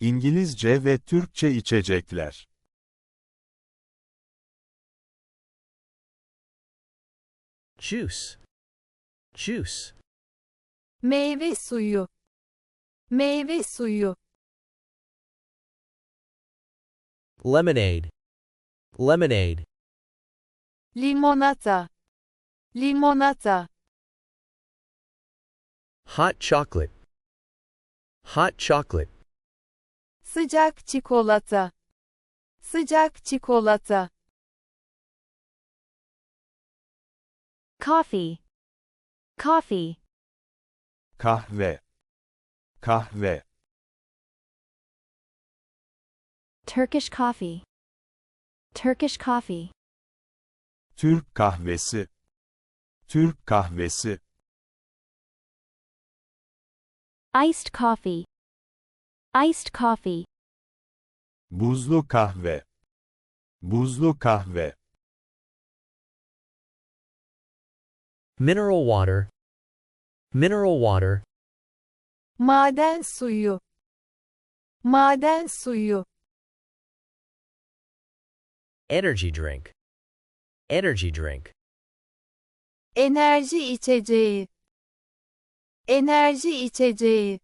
İngilizce ve Türkçe içecekler. Juice. Juice. Meyve suyu. Meyve suyu. Lemonade. Lemonade. Limonata. Limonata. Hot chocolate. Hot chocolate. Sıcak çikolata. Sıcak çikolata. Coffee. Coffee. Kahve. Kahve. Turkish coffee. Turkish coffee. Türk kahvesi. Türk kahvesi. Iced coffee. Iced coffee. Buzlu kahve. Buzlu kahve. Mineral water. Mineral water. Maden suyu. Maden suyu. Energy drink. Energy drink. Enerji içeceği. Enerji içeceği.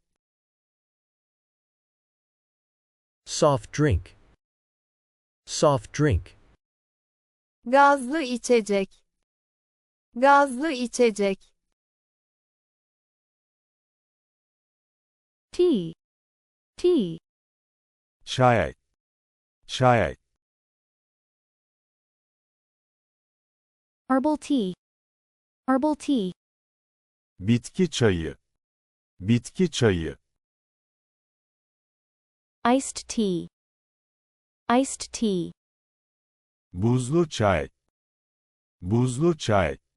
Soft drink. Soft drink. Gazlı içecek. Gazlı içecek. Tea. Tea. Çay. Çay. Herbal tea. Herbal tea. Bitki çayı. Bitki çayı. Iced tea. Iced tea. Buzlu çay. Buzlu çay.